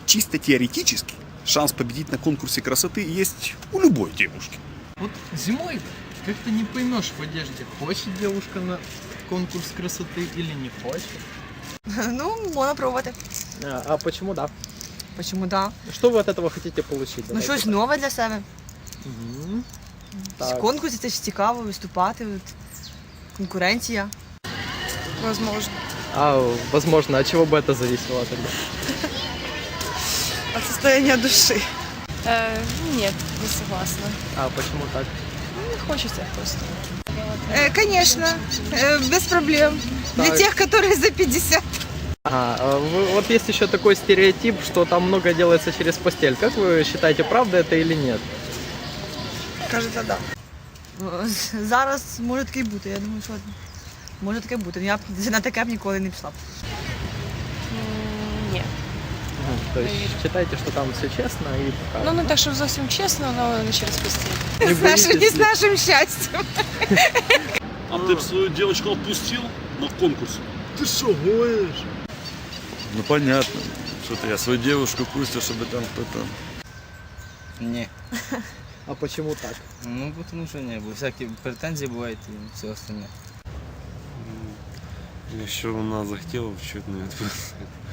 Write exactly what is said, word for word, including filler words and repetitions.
чисто теоретически шанс победить на конкурсе красоты есть у любой девушки. Вот зимой как-то не поймешь в одежде, хочет девушка на конкурс красоты или не хочет. Ну, можна пробувати. А, а почему да? Почему да? Что вы от этого хотите получить? Ну, щось нове для себе. Мгм. В Так. конкурсі це ж цікаво виступати, от, конкуренція. Возможно. А, возможно, от чего бы это зависело тогда? От состояния души. Э, нет, не согласна. А почему так? Ну, не хочется просто. Э, Конечно, э, без проблем. Для Так. тех, которые за пятьдесят. А, а вы- вот есть еще такой стереотип, что там много делается через постель. Как вы считаете, правда это или нет? Кажется, да. О, Зараз може таке й бути. Я думаю, що може таке бути. Я б на таке б ніколи не пішла б. Нет. Мгм. То есть считаете, что там все честно и пока? Ну, не так, що зовсім чесно, але не через постіль. Не С нашим, боитесь не ли? с нашим счастьем. А ты бы свою девочку отпустил на конкурс? Ты что, гонишь? Ну понятно, что-то я свою девушку пустил, чтобы там кто-то... Не, А почему так? ну потому что не, бо всякие претензии бывают и все остальное. Еще она захотела чуть не отпустить.